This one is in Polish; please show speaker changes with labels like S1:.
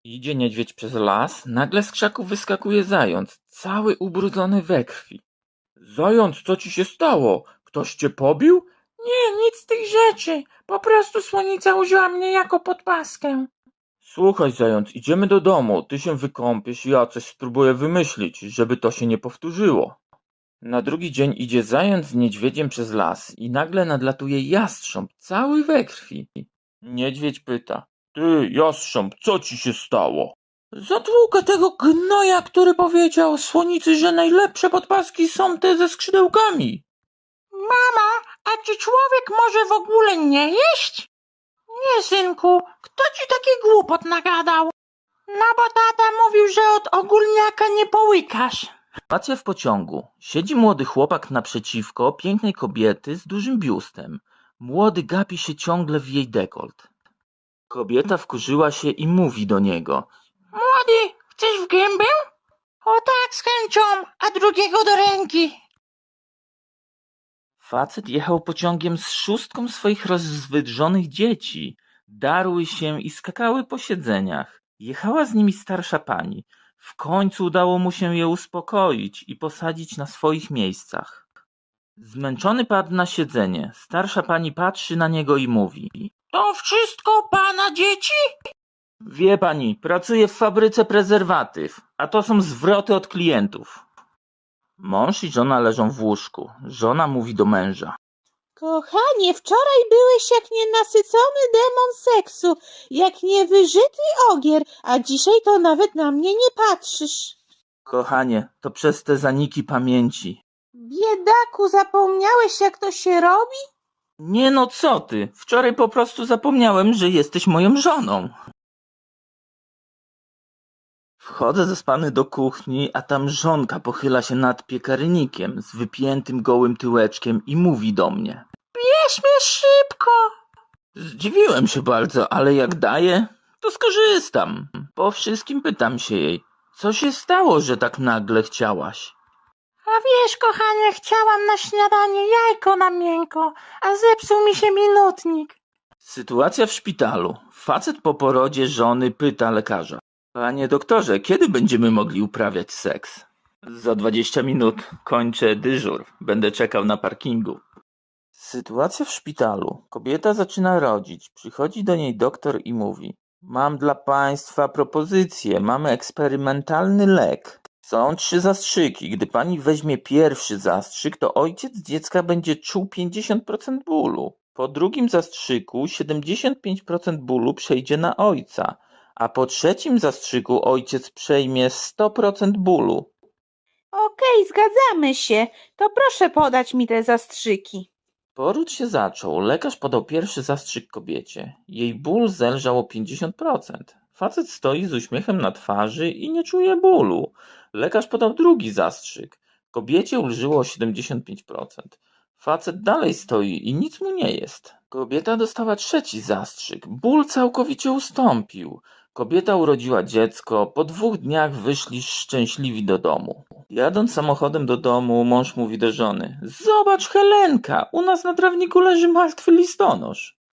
S1: Idzie niedźwiedź przez las, nagle z krzaków wyskakuje zając, cały ubrudzony we krwi. Zając, co ci się stało? Ktoś cię pobił?
S2: Nie, nic z tych rzeczy. Po prostu słonica użyła mnie jako podpaskę.
S1: Słuchaj, zając, idziemy do domu, ty się wykąpiesz, ja coś spróbuję wymyślić, żeby to się nie powtórzyło. Na drugi dzień idzie zając z niedźwiedziem przez las i nagle nadlatuje jastrząb, cały we krwi. Niedźwiedź pyta: Ty, jastrząb, co ci się stało?
S2: Zatłukę tego gnoja, który powiedział słonicy, że najlepsze podpaski są te ze skrzydełkami. Mama, a czy człowiek może w ogóle nie jeść? Nie, synku, kto ci taki głupot nagadał? No bo tata mówił, że od ogólniaka nie połykasz.
S1: Sytuacja w pociągu. Siedzi młody chłopak naprzeciwko pięknej kobiety z dużym biustem. Młody gapi się ciągle w jej dekolt. Kobieta wkurzyła się i mówi do niego:
S2: Młody, chcesz w gębę? O tak, z chęcią, a drugiego do ręki.
S1: Facet jechał pociągiem z szóstką swoich rozwydrzonych dzieci. Darły się i skakały po siedzeniach. Jechała z nimi starsza pani. W końcu udało mu się je uspokoić i posadzić na swoich miejscach. Zmęczony padł na siedzenie. Starsza pani patrzy na niego i mówi:
S2: To wszystko pana dzieci?
S1: Wie pani, pracuję w fabryce prezerwatyw, a to są zwroty od klientów. Mąż i żona leżą w łóżku. Żona mówi do męża:
S3: Kochanie, wczoraj byłeś jak nienasycony demon seksu, jak niewyżyty ogier, a dzisiaj to nawet na mnie nie patrzysz.
S1: Kochanie, to przez te zaniki pamięci.
S3: Biedaku, zapomniałeś jak to się robi?
S1: Nie no, co ty? Wczoraj po prostu zapomniałem, że jesteś moją żoną. Wchodzę zaspany do kuchni, a tam żonka pochyla się nad piekarnikiem z wypiętym gołym tyłeczkiem i mówi do mnie.
S2: Bierz mnie szybko.
S1: Zdziwiłem się bardzo, ale jak daje, to skorzystam. Po wszystkim pytam się jej: co się stało, że tak nagle chciałaś?
S2: A wiesz, kochanie, chciałam na śniadanie jajko na miękko, a zepsuł mi się minutnik.
S1: Sytuacja w szpitalu. Facet po porodzie żony pyta lekarza: Panie doktorze, kiedy będziemy mogli uprawiać seks? Za 20 minut kończę dyżur. Będę czekał na parkingu. Sytuacja w szpitalu. Kobieta zaczyna rodzić. Przychodzi do niej doktor i mówi: Mam dla państwa propozycję. Mamy eksperymentalny lek. Są 3 zastrzyki. Gdy pani weźmie pierwszy zastrzyk, to ojciec dziecka będzie czuł 50% bólu. Po drugim zastrzyku 75% bólu przejdzie na ojca, a po trzecim zastrzyku ojciec przejmie 100% bólu.
S3: Okej, zgadzamy się. To proszę podać mi te zastrzyki.
S1: Poród się zaczął. Lekarz podał pierwszy zastrzyk kobiecie. Jej ból zelżał o 50%. Facet stoi z uśmiechem na twarzy i nie czuje bólu. Lekarz podał drugi zastrzyk. Kobiecie ulżyło o 75%. Facet dalej stoi i nic mu nie jest. Kobieta dostała trzeci zastrzyk. Ból całkowicie ustąpił. Kobieta urodziła dziecko. Po 2 dniach wyszli szczęśliwi do domu. Jadąc samochodem do domu, mąż mówi do żony: Zobacz, Helenka, u nas na trawniku leży martwy listonosz.